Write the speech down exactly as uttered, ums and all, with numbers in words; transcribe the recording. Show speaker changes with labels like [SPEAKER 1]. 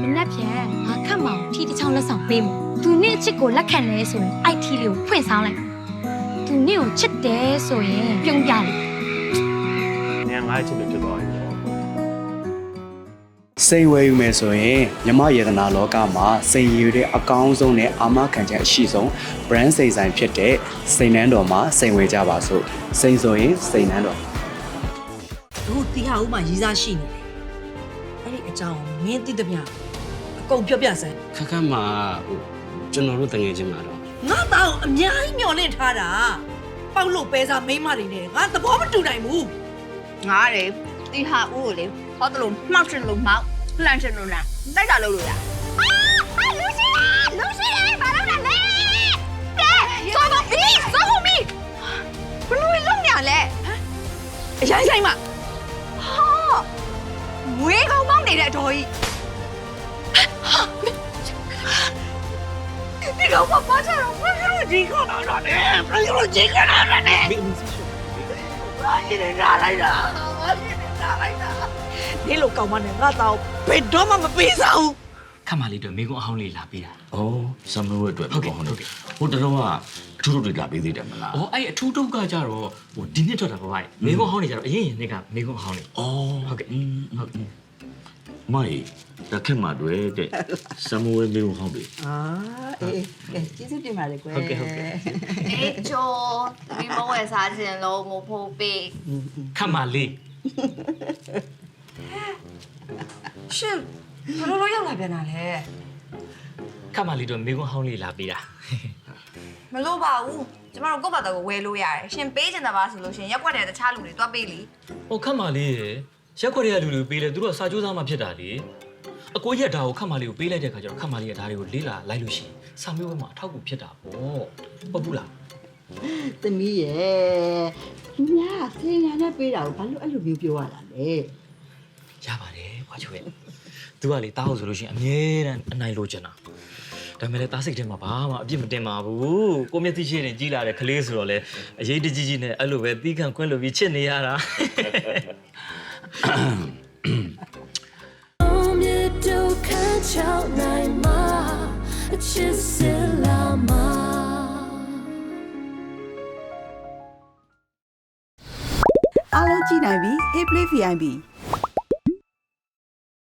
[SPEAKER 1] မနေ့ပြန်ငါခတ်မောင်ထီတစ်ချောင်းလက်ဆောင်ပေးမယ်သူနေ့အချစ်ကိုလက်ခံလဲဆိုရင်အိုက်ထီလေးကိုဖွင့်ဆောင်လိုက်သူနေ့ကိုချစ်တယ်ဆိုရင်ပြုံးပြလိုက်
[SPEAKER 2] နေငါ့ချစ်တယ်ဖြစ်သွားပြီ
[SPEAKER 3] စိန်ဝယ်ယူမယ်ဆိုရင်မြမယေတနာလောကမှာစိန်ရည်တဲ့အကောင်းဆုံးနဲ့အာမခံချက်အရှိဆုံး brand စိန်ဆိုင်ဖြစ်တဲ့စိန်နန်းတော်မှာစိန်ဝယ်ကြပါစို့စိန်ဆိုရင်စိန်နန်းတော်
[SPEAKER 4] တို့တီဟာဦးမှာရေးစားရှိနေတယ်အဲ့ဒီအကြောင်းမင်းသိတဲ့မြအကုန်ပြောပြစမ်း
[SPEAKER 5] ခက်ခက်မှာဟိုကျွန်တော်တို့တငယ်ချင်းမှာတော့
[SPEAKER 4] ငါတောင်အများကြီးမျောလင့်ထားတာပေါက်လို့ပဲစားမိမတွေနဲ့ငါသဘောမတူနိုင်ဘူး
[SPEAKER 6] ငါလေတီဟာဦးကိုလေဟောတလို့မှောက်ချင်လို့မှောက်လှန်ချင်လို့လှန်တိုက်တာလို့လို့ရအာလူရှိလူရှိလေဘာလို့လဲလဲစောမဘီစောမဘီဘလို့လုံးညာလဲအရင်ဆိုင်မှာဟာဝေးကောင်ပေါင်းနေတဲ့အတော်ကြီးဒီကောင်ဘာပါချတော့ဘယ်လိုဒီကောင်တော့လဲဘယ်လိုဒီကောင်တော့လဲဘာရင်းလာလိုက်တာဘာရင်းလာလိုက်တာ
[SPEAKER 4] ဒီလိုကောင်မနဲ့ငါတော့ဘယ်တော့မှမပေးစားဘူး
[SPEAKER 5] ခက်မလေးတို့မိကုန်းအဟောင်းလေးလာပေးတာဩဆမ်မလို့အတွက်ဟုတ်ကဲ့ဟုတ်ကဲ့ဟိုတလုံးကအထူးထုတ်တွေလာပေးသေးတယ်မလားဩအဲ့အထူးထုတ်ကကြတော့ဟိုဒီနှစ်ထွက်တာပါဗျမိကုန်းအဟောင်းနေကြတော့အရင်ရင်နှစ်ကမိကုန်းအဟောင်းနေဩဟုတ်ကဲ့ဟုတ်ကဲ့မိုင်တခက်မှာတွေ့တဲ့ဆမ်မဝဲမိကုန်းအဟောင်းတွေ
[SPEAKER 4] အာအေးကဲကျေးဇူးတင်ပါတယ်ကွယ်
[SPEAKER 5] ဟုတ်ကဲ့ဟုတ်ကဲ့
[SPEAKER 6] အေးချိုဒီမဝဲစားခြင်းလို့မဖို့ပေး
[SPEAKER 5] ခက်မလေး
[SPEAKER 4] ရှင်ဘလို့လို့ရောက်လာပြန်တာလဲ
[SPEAKER 5] ခက်မလေးတို့မိကုန်းအဟောင်းလေးလာပေးတာ
[SPEAKER 6] မလို့ပါဘူးကျမတို့ကိုယ့်ဘာသာကိုဝယ်လို့ရတယ်ရှင်ပေးချင်တာပါဆိုလို့ရှင်ရက်ွက်တဲ့တခြားလူတွေတွားပေးလी
[SPEAKER 5] ဟိုခက်မလေးရရက်ွက်တဲ့လူတွေပေးလဲသူတို့ကစာကြိုးစားမှဖြစ်တာလေအကိုရက်ဒါကိုခက်မလေးကိုပေးလိုက်တဲ့ခါကျတော့ခက်မလေးကဒါတွေကိုလေးလာလိုက်လို့ရှိရင်စာမျိုးဘက်မှာအထောက်အကူဖြစ်တာပေါ့ဟုတ်ဘူးလား
[SPEAKER 4] သမီးရဲ့သူများဆေးရနဲ့ပေးတာကိုဘာလို့အဲ့လိုမျိုးပြောရတာလဲ
[SPEAKER 5] ရပါတယ်ဘွားချိုရဲ့သူကလေတားဟုတ်ဆိုလို့ရှိရင်အမြဲတမ်းအနိုင်လိုချင်တာဒါပေမဲ့လည်းတားစိတ်ထဲမှာဘာမှအပြစ်မတင်ပါဘူးကိုမျက်စိရှိရင်ကြီးလာတဲ့ကလေးဆိုတော့လေအရေးတကြီးကြီးနဲ့အဲ့လိုပဲတီးခံခွင့်လို့ပြီးချစ်နေရတာ
[SPEAKER 7] အားလုံးကြည့်နိုင်ပြီ Hey Play ဗီ အိုင် ပီ